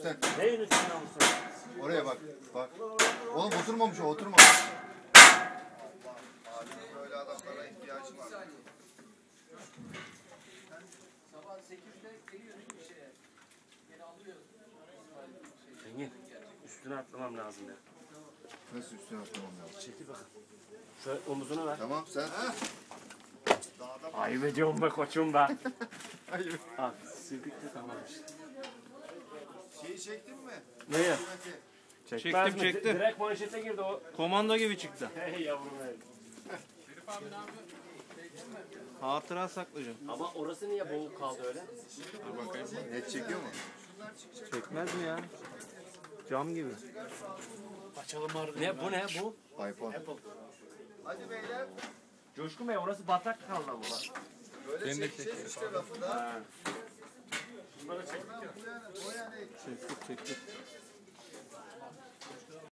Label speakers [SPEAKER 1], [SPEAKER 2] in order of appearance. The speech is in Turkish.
[SPEAKER 1] üstten.
[SPEAKER 2] Neyin üstüne almışsın?
[SPEAKER 1] Oraya bak. Bak. Oğlum oturmamış o, oturmamış. Abi böyle adamlara ihtiyacı var.
[SPEAKER 3] Sabah 8'de geliyoruz bir şeye. Geri alıyoruz.
[SPEAKER 2] Engin, üstüne atlamam lazım ya.
[SPEAKER 1] Nasıl üstüne atlamam lazım?
[SPEAKER 2] Çekil bakalım. Şöyle omuzuna ver.
[SPEAKER 1] Tamam sen.
[SPEAKER 2] Ayıp ediyorum be koçum be.
[SPEAKER 1] Hayır.
[SPEAKER 2] Abi sirkikte tamam işte.
[SPEAKER 1] Şeyi çektin mi?
[SPEAKER 2] Neye?
[SPEAKER 4] Çektim,
[SPEAKER 2] mi?
[SPEAKER 4] çektim.
[SPEAKER 2] Direkt manşete girdi o.
[SPEAKER 4] Komando gibi çıktı.
[SPEAKER 2] Hey yavrum hey.
[SPEAKER 4] Hatıra saklayacağım.
[SPEAKER 2] Ama orası niye boğuk kaldı öyle?
[SPEAKER 4] Dur bakayım.
[SPEAKER 1] Net çekiyor mu?
[SPEAKER 4] Çekmez mi ya? Cam gibi.
[SPEAKER 2] Ne bu ne bu?
[SPEAKER 1] iPhone. Hadi beyler.
[SPEAKER 2] Coşkun Bey orası batak kaldı bu bak.
[SPEAKER 1] Böyle çekeceğiz işte lafı da.
[SPEAKER 2] Ha. Bunları çektik ya.
[SPEAKER 1] O yani.
[SPEAKER 4] Çektik.